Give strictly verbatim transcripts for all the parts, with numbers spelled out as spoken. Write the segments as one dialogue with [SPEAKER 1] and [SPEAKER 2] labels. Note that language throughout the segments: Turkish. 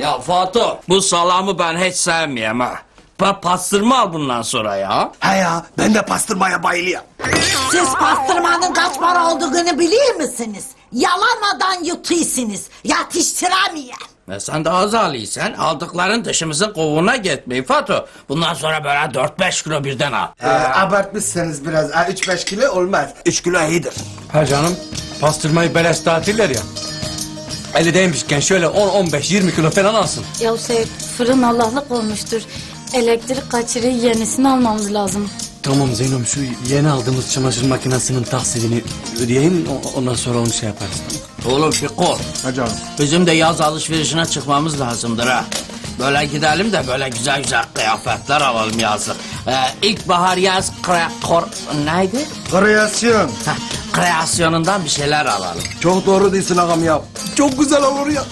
[SPEAKER 1] Ya Fatih, bu salamı ben hiç sevmiyorum ha. Pa pastırma al bundan sonra ya.
[SPEAKER 2] He ya, ben de pastırmaya bayılıyorum.
[SPEAKER 3] Siz pastırmanın kaç para olduğunu biliyor musunuz? Yalamadan yutuyorsunuz. Yatıştıramıyor.
[SPEAKER 1] E sen de az alıysan aldıkların dışımızın kovuğuna gitmeyin Fatih. Bundan sonra böyle dört beş kilo birden al.
[SPEAKER 2] Ee, abartmışsınız biraz. Ha, üç beş kilo olmaz. Üç kilo iyidir.
[SPEAKER 4] Ha canım, pastırmayı beleş dağıtırlar ya. Elindeymişken şöyle on on beş yirmi kilo falan alsın.
[SPEAKER 5] Ya Seyit, fırın Allah'lık olmuştur. Elektrik kaçırıyor, yenisini almamız lazım.
[SPEAKER 4] Tamam Zeynom, şu yeni aldığımız çamaşır makinesinin taksidini ödeyeyim, o- ondan sonra onu şey yaparız.
[SPEAKER 1] Oğlum Fiko,
[SPEAKER 2] Ha canım.
[SPEAKER 1] bizim de yaz alışverişine çıkmamız lazımdır ha. Böyle gidelim de böyle güzel güzel kıyafetler alalım yazlık. Ee, ilkbahar yaz kre, kor, neydi?
[SPEAKER 2] Kreasyon.
[SPEAKER 1] Heh, kreasyonundan bir şeyler alalım.
[SPEAKER 2] Çok doğru değilsin ağam ya. Çok güzel olur ya.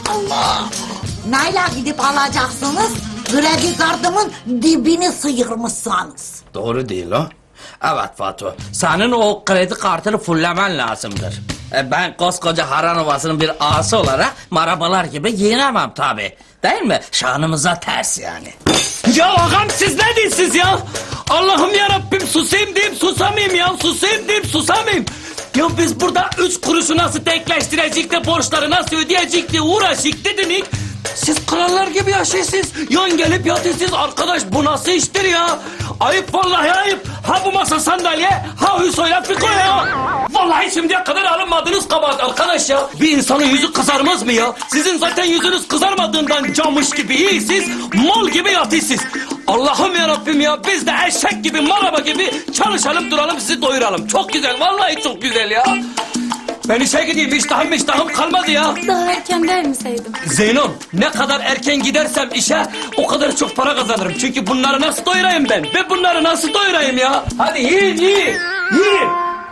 [SPEAKER 3] Neyle gidip alacaksınız? Kredi kartımın dibini sıyırmışsınız.
[SPEAKER 1] Doğru değil o. Evet Fatih, senin o kredi kartını fullemen lazımdır. E, ben koskoca Haran Ovası'nın bir ağası olarak marabalar gibi giyinemem tabi. Değil mi? Şanımıza ters yani.
[SPEAKER 6] Ya ağam siz ne diyorsunuz ya? Allah'ım yarabbim susayım diyeyim susamayayım ya. Susayım diyeyim susamayayım. Ya biz burada üç kuruşu nasıl denkleştirecek de borçları nasıl ödeyecek diye uğraşık dediniz. Siz krallar gibi yaşıyorsunuz. Yan gelip yatıyorsunuz. Arkadaş bu nasıl iştir ya? Ayıp vallahi ayıp. Ha bu masa sandalye, ha Hüsoyla Fiko ya. Vallahi şimdiye kadar alınmadınız kabahat arkadaş ya. Bir insanın yüzü kızarmaz mı ya? Sizin zaten yüzünüz kızarmadığından camış gibi iyisiniz. Mal gibi yatıyorsunuz. Allah'ım yarabbim ya. Biz de eşek gibi, maraba gibi çalışalım duralım sizi doyuralım. Çok güzel vallahi çok güzel ya. Ben işe gideyim iştahım iştahım kalmadı ya.
[SPEAKER 5] Daha erken der mi Seyit'im?
[SPEAKER 6] Zeynom ne kadar erken gidersem işe o kadar çok para kazanırım. Çünkü bunları nasıl doyurayım ben? Ben bunları nasıl doyurayım ya? Hadi yiyin yiyin. Yiyin.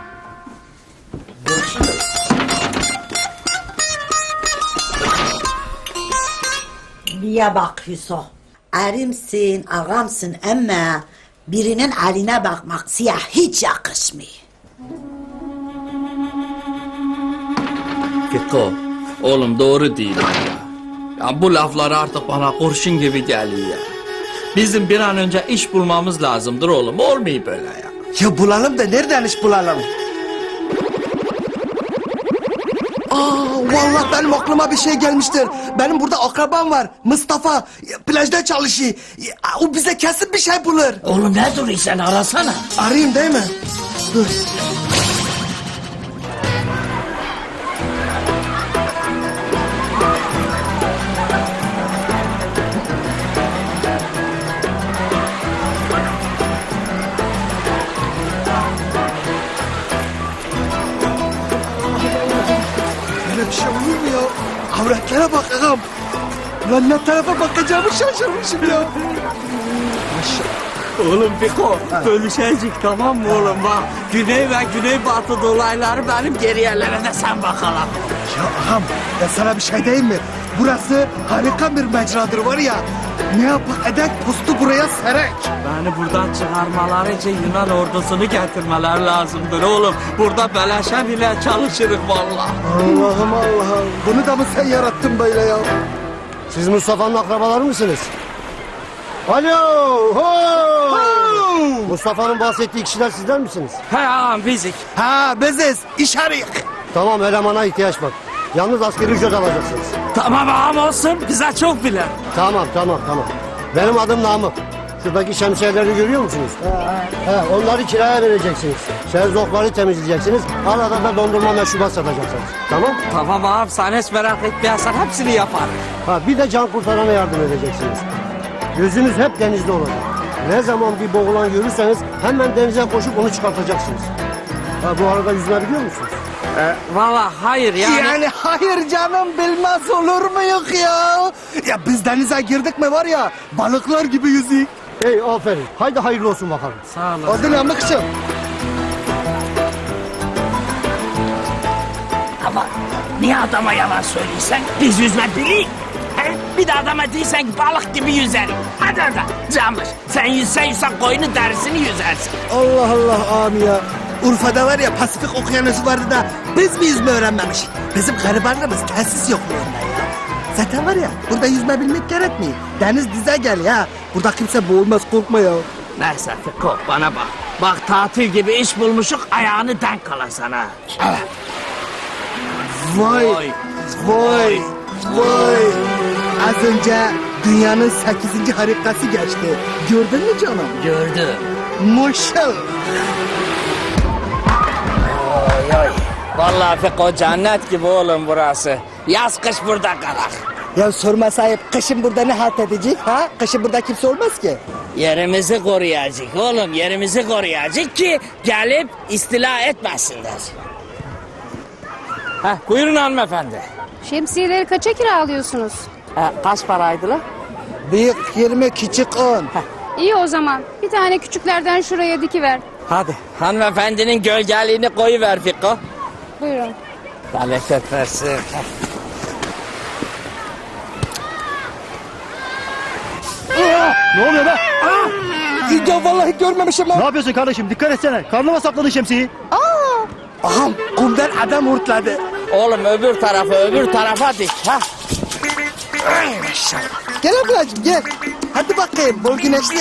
[SPEAKER 3] Niye bak Hüso? Erimsin, ağamsın ama birinin eline bakmak siyah hiç yakışmıyor.
[SPEAKER 1] Fiko, oğlum doğru değil ya. Ya bu laflar artık bana kurşun gibi geliyor ya. Bizim bir an önce iş bulmamız lazımdır oğlum. Olmuyor böyle ya.
[SPEAKER 2] Ya bulalım da nereden iş bulalım? Aa, vallahi benim aklıma bir şey gelmiştir. Benim burada akrabam var. Mustafa. Ya, plajda çalışıyor. Ya, o bize kesin bir şey bulur.
[SPEAKER 1] Oğlum ne duruyorsun sen arasana.
[SPEAKER 2] Arayayım değil mi? Dur. Böyle bir şey olur mu ya? Avretlere bak ağam. Lan ne tarafa bakacağımı şaşırmışım ya.
[SPEAKER 6] Oğlum Fiko bölüşecek tamam mı oğlum bak. Güney ve güneybatı dolayları benim geri yerlere de sen bakalım.
[SPEAKER 2] Ya ağam, ya sana bir şey diyeyim mi? Burası harika bir mecradır var ya. Ne yapak edek postu buraya serek.
[SPEAKER 6] Beni buradan çıkarmaları için Yunan ordusunu getirmeler lazımdır oğlum. Burada beleşe bile çalışırız vallahi.
[SPEAKER 2] Allah'ım Allah'ım. Bunu da mı sen yarattın böyle ya?
[SPEAKER 7] Siz Mustafa'nın akrabaları mısınız? Alo! Ho! Mustafa'nın bahsettiği kişiler sizler misiniz?
[SPEAKER 6] He ağam bizik.
[SPEAKER 2] Ha beziz, iş arayık.
[SPEAKER 7] Tamam, elemana ihtiyaç var. Yalnız askeri ücret alacaksınız.
[SPEAKER 6] Tamam ağam olsun bize çok bile.
[SPEAKER 7] Tamam, tamam, tamam. Benim adım Namık. Şuradaki şemsiyeleri görüyor musunuz? He, onları kiraya vereceksiniz. Şerzokları temizleyeceksiniz. Arada da dondurma meşrubat satacaksınız. Tamam?
[SPEAKER 6] Tamam ağam sen hiç merak etmeyesin hepsini yaparım.
[SPEAKER 7] Ha, bir de can kurtarana yardım edeceksiniz. Gözünüz hep denizde olacak. Ne zaman bir boğulan görürseniz hemen denize koşup onu çıkartacaksınız. Ha, bu arada yüzme biliyor musunuz?
[SPEAKER 6] Ee, Valla hayır yani.
[SPEAKER 2] Yani hayır canım, bilmez olur muyuk ya? Ya biz denize girdik mi var ya, balıklar gibi yüzük.
[SPEAKER 7] Hey, aferin. Haydi hayırlı olsun bakalım.
[SPEAKER 6] Sağ olun.
[SPEAKER 2] Hadi Namık'cığım.
[SPEAKER 1] Ama niye adama yalan söylüyorsun? Biz yüzme biliyoruz. Bir de adama değilsen balık gibi yüzerim. Hadi hadi camış. Sen yüzsen yüzsen koyunu derisini yüzersin.
[SPEAKER 2] Allah Allah abi ya. Urfa'da var ya Pasifik okyanusu vardı da biz mi yüzme öğrenmemişik? Bizim garibanlığımız tesis yokluğunda ya. Zaten var ya burada yüzme bilmek gerekmiyor. Deniz dize gel ya. Burada kimse boğulmaz korkma ya.
[SPEAKER 1] Neyse Fiko bana bak. Bak tatil gibi iş bulmuşuk ayağını denk alasan ha.
[SPEAKER 2] Vay, vay, vay. Az önce dünyanın sekizinci harikası geçti. Gördün mü canım?
[SPEAKER 1] Gördüm.
[SPEAKER 2] Maşallah.
[SPEAKER 1] Oy oy. Vallahi Fiko cennet gibi oğlum burası. Yaz kış burada kalak.
[SPEAKER 2] Ya sorma sahip, kışın burada ne halt edecek ha? Kışın burada kimse olmaz ki.
[SPEAKER 1] Yerimizi koruyacak oğlum, yerimizi koruyacak ki gelip istila etmesinler. Heh, buyurun hanımefendi.
[SPEAKER 8] Şemsiyeleri kaça kiralıyorsunuz?
[SPEAKER 1] Ha, kaç paraydı lan?
[SPEAKER 2] Büyük yirmi, küçük on.
[SPEAKER 8] İyi o zaman. Bir tane küçüklerden şuraya dikiver.
[SPEAKER 1] Hadi. Hanımefendinin gölgeliğini koyuver Fiko.
[SPEAKER 8] Buyurun.
[SPEAKER 1] Bereket versin.
[SPEAKER 7] Ne oluyor be?
[SPEAKER 2] Ya vallahi görmemişim
[SPEAKER 7] Ne
[SPEAKER 2] ha.
[SPEAKER 7] yapıyorsun kardeşim? Dikkat etsene. Karnıma sakladın şemsiyeyi.
[SPEAKER 2] Ağam kumdan adam hurtladı.
[SPEAKER 1] Oğlum öbür tarafa, öbür tarafa dik. Ha?
[SPEAKER 2] Gel ablacığım gel. Hadi bakayım bol güneşli.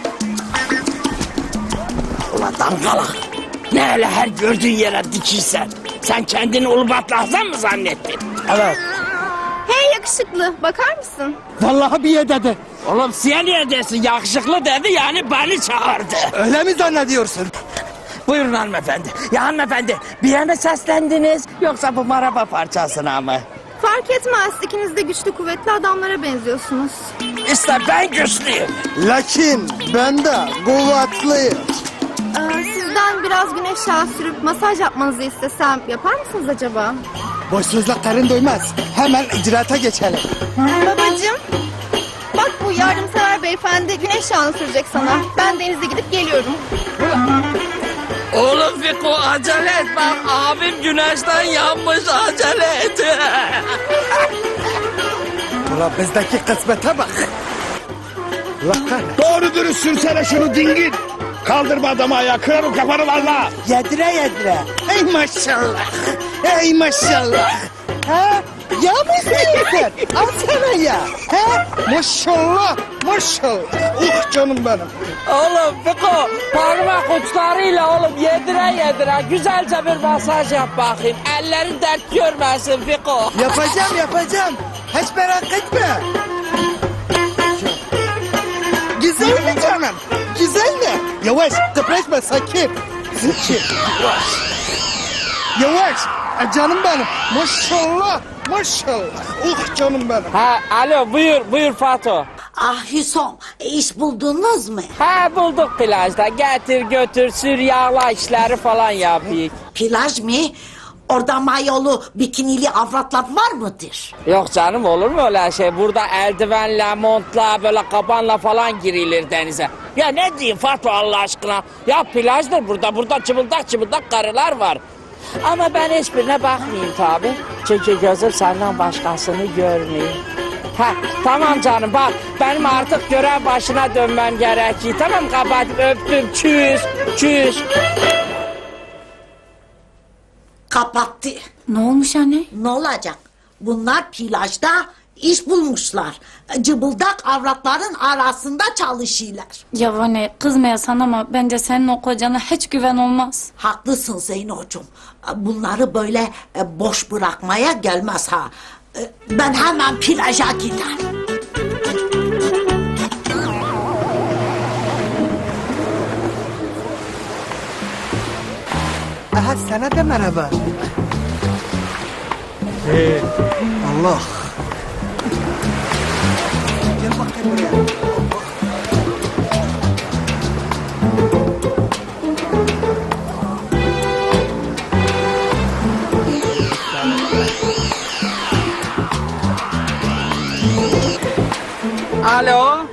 [SPEAKER 1] Ulan dangalak. Ne öyle her gördüğün yere dikiysen. Sen kendini Ulubat Lahzan mı zannettin?
[SPEAKER 2] Evet.
[SPEAKER 8] Hey yakışıklı, bakar mısın?
[SPEAKER 2] Vallahi bir yer dedi.
[SPEAKER 1] Oğlum size niye desin yakışıklı dedi yani beni çağırdı.
[SPEAKER 2] Öyle mi zannediyorsun?
[SPEAKER 1] Buyurun hanımefendi. Ya hanımefendi bir yana seslendiniz yoksa bu maraba parçasına mı?
[SPEAKER 8] Fark etmez, ikiniz de güçlü kuvvetli adamlara benziyorsunuz.
[SPEAKER 1] İşte ben güçlüyüm.
[SPEAKER 2] Lakin ben de kuvvetliyim.
[SPEAKER 8] Ee, sizden biraz güneş yağı sürüp masaj yapmanızı istesem yapar mısınız acaba?
[SPEAKER 2] Boş sözler karın doymaz. Hemen icraata geçelim.
[SPEAKER 8] Babacığım, bak bu yardımsever beyefendi güneş yağını sürecek sana. Ben denize gidip geliyorum.
[SPEAKER 1] Oğlum Fiko acele et bak abim güneşten yanmış acele et.
[SPEAKER 2] Ulan bizdeki kısmete bak. Allah kahretsin.
[SPEAKER 9] Doğru dürüst sürsene şunu dingin. Kaldırma adamı ayağa, kırarım kafanı valla.
[SPEAKER 2] Yedire yedire. Ey maşallah. Ey maşallah. Ha? Ya mı istiyorsun? Al sana ya. Ha? Maşallah. Maşallah. Uh canım benim.
[SPEAKER 1] Oğlum Fiko parmak uçlarıyla oğlum yedire yedire güzelce bir masaj yap bakayım. Ellerin dert görmesin Fiko.
[SPEAKER 2] Yapacağım yapacağım. Hiç merak etme. Güzel mi canım? Güzel mi? Yavaş kıpraşma sakin. Sakin. Yavaş. Yavaş. E, canım benim. Maşallah. Maşallah. Uh canım benim.
[SPEAKER 1] Ha alo buyur buyur Fato.
[SPEAKER 3] Ah Hüsom, iş buldunuz mu?
[SPEAKER 1] Ha bulduk plajda getir götür sür yağla işleri falan yapayım.
[SPEAKER 3] Plaj mı? Orada mayolu, bikinili avratlar var mıdır?
[SPEAKER 1] Yok canım olur mu öyle şey? Burada eldivenle, montla, böyle kabanla falan girilir denize. Ya ne diyeyim Fato Allah aşkına? Ya plajdır burada, burada çıbıldak çıbıldak karılar var. Ama ben hiçbirine bakmayayım tabi. Çünkü gözüm senden başkasını görmüyor. Ha tamam canım bak benim artık görev başına dönmem gerekiyor. Tamam kapatıp öptüm çüz çüz.
[SPEAKER 3] Kapattı.
[SPEAKER 5] Ne olmuş anne?
[SPEAKER 3] Ne olacak? Bunlar plajda iş bulmuşlar. Cıbıldak avratların arasında çalışıyorlar.
[SPEAKER 5] Ya anne kızmayasan ama bence senin o kocana hiç güven olmaz.
[SPEAKER 3] Haklısın Zeynocuğum. Bunları böyle e, boş bırakmaya gelmez ha. E, Ben hemen plaja giderim.
[SPEAKER 2] Aha sana da merhaba. Allah. Gel bakayım buraya.
[SPEAKER 1] Alo.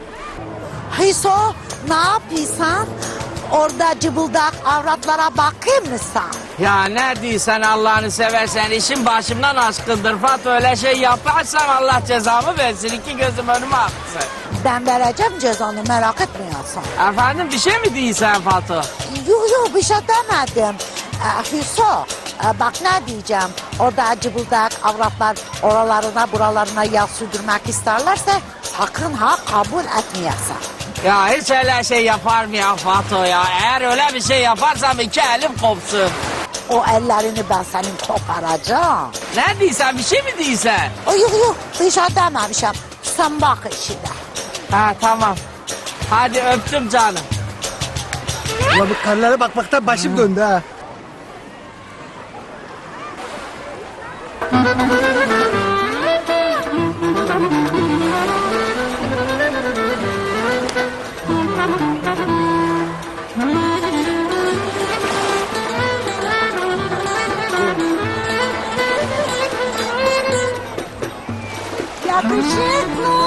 [SPEAKER 3] Hüso, ne yapıyorsun? Orada cıbıldak avratlara bakayım mı sen?
[SPEAKER 1] Ya ne diyorsun Allah'ını seversen işin başımdan aşkındır Fato, öyle şey yaparsan Allah cezamı versin, iki gözüm önüme aksın.
[SPEAKER 3] Ben vereceğim cezanı, merak etmiyorsun.
[SPEAKER 1] Efendim bir şey mi diyorsun Fato?
[SPEAKER 3] Yok yok, bir şey demedim. Ee, Hüso, e, bak ne diyeceğim. Orada cıbıldak avratlar oralarına buralarına yağ sürdürmek isterlerse sakın ha kabul etmeyesin.
[SPEAKER 1] Ya hiç öyle şey yapar mı ya Fato ya? Eğer öyle bir şey yaparsam iki elim kopsun.
[SPEAKER 3] O ellerini ben senin koparacağım.
[SPEAKER 1] Ne diyorsun, bir şey mi diyorsun?
[SPEAKER 3] O, yok yok, bir şey dememişim. Sen bak işine.
[SPEAKER 1] Ha tamam. Hadi öptüm canım.
[SPEAKER 2] Ulan bu karılara bakmaktan başım döndü ha.
[SPEAKER 3] Yakışıklı.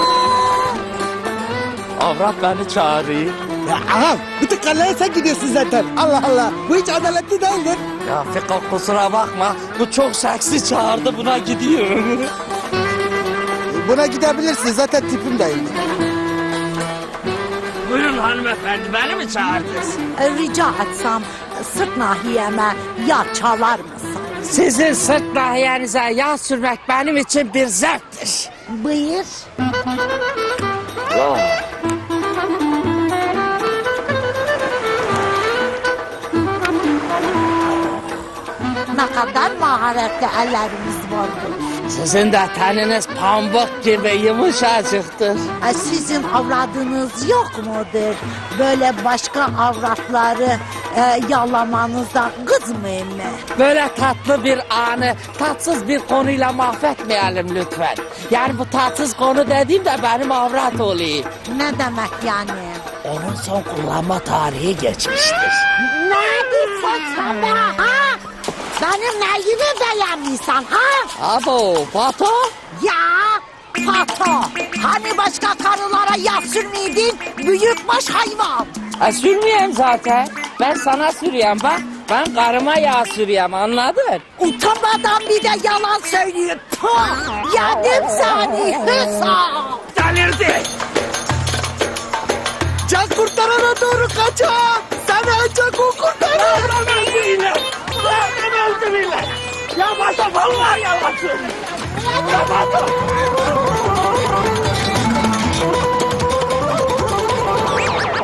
[SPEAKER 1] Avrat beni çağırıyor.
[SPEAKER 2] Ya ağam bütün karılara sen gidiyorsun zaten. Allah Allah. Bu hiç adaletli değildir.
[SPEAKER 1] Ya Fiko kusura bakma. Bu çok seksi çağırdı, buna gidiyor.
[SPEAKER 2] Buna gidebilirsin zaten tipim değil.
[SPEAKER 1] Buyurun hanımefendi, beni mi çağırdınız?
[SPEAKER 3] E, Rica etsem sırt nahiyeme yağ çalar mısın?
[SPEAKER 1] Sizin sırt nahiyenize yağ sürmek benim için bir zevktir.
[SPEAKER 3] Buyur. Ne kadar maharetli ellerimiz vardır.
[SPEAKER 1] Sizin de teniniz pamuk gibi yumuşacıktır.
[SPEAKER 3] E, Sizin avradınız yok mudur? Böyle başka avratları e, yalamanızdan kızmayın mı?
[SPEAKER 1] Böyle tatlı bir anı tatsız bir konuyla mahvetmeyelim lütfen. Yani bu tatsız konu dediğim de benim avrat oluyor.
[SPEAKER 3] Ne demek yani?
[SPEAKER 1] Onun son kullanma tarihi geçmiştir.
[SPEAKER 3] Ne diyorsun sen be ha? Benim neyimi beğenmişsin ha?
[SPEAKER 1] Abo, Pato?
[SPEAKER 3] Ya Pato, hani başka karılara yağ sürmeydin büyükbaş hayvan.
[SPEAKER 1] E, sürmeyeyim zaten. Ben sana sürüyorum bak. Ben karıma yağ sürüyorum, anladın?
[SPEAKER 3] Utanmadan bir de yalan söylüyor. Puh, yedim seni Hüsam.
[SPEAKER 1] Delirdi.
[SPEAKER 2] Can kurtarana doğru kaçın. Seni ancak o kurtarır.
[SPEAKER 1] Ya Pato vallahi yalan söylüyor. Ya Pato.